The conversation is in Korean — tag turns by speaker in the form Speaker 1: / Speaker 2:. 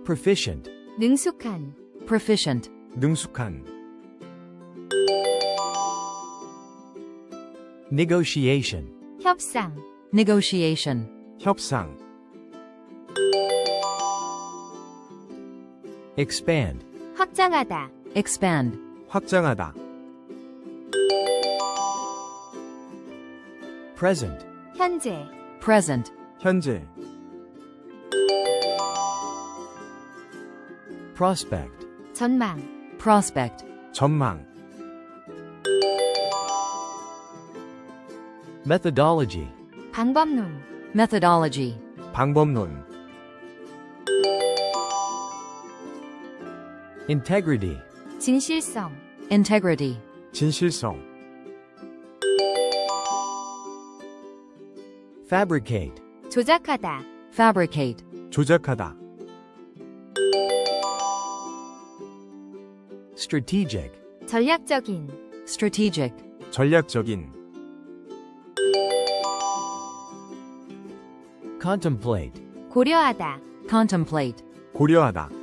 Speaker 1: proficient,
Speaker 2: 능숙한,
Speaker 3: proficient,
Speaker 4: 능숙한,
Speaker 1: negotiation,
Speaker 2: 협상,
Speaker 3: negotiation,
Speaker 4: 협상,
Speaker 1: expand,
Speaker 2: 확장하다,
Speaker 3: expand,
Speaker 4: 확장하다,
Speaker 1: present,
Speaker 2: 현재,
Speaker 3: present,
Speaker 4: 현재,
Speaker 1: prospect,
Speaker 2: 전망,
Speaker 3: prospect,
Speaker 4: 전망,
Speaker 1: methodology,
Speaker 2: 방법론,
Speaker 3: methodology,
Speaker 4: 방법론,
Speaker 1: integrity,
Speaker 2: 진실성,
Speaker 3: integrity,
Speaker 4: 진실성,
Speaker 1: fabricate,
Speaker 2: 조작하다,
Speaker 3: fabricate,
Speaker 4: 조작하다,
Speaker 1: strategic,
Speaker 2: 전략적인,
Speaker 3: strategic,
Speaker 4: 전략적인,
Speaker 1: contemplate,
Speaker 2: 고려하다,
Speaker 3: contemplate,
Speaker 4: 고려하다,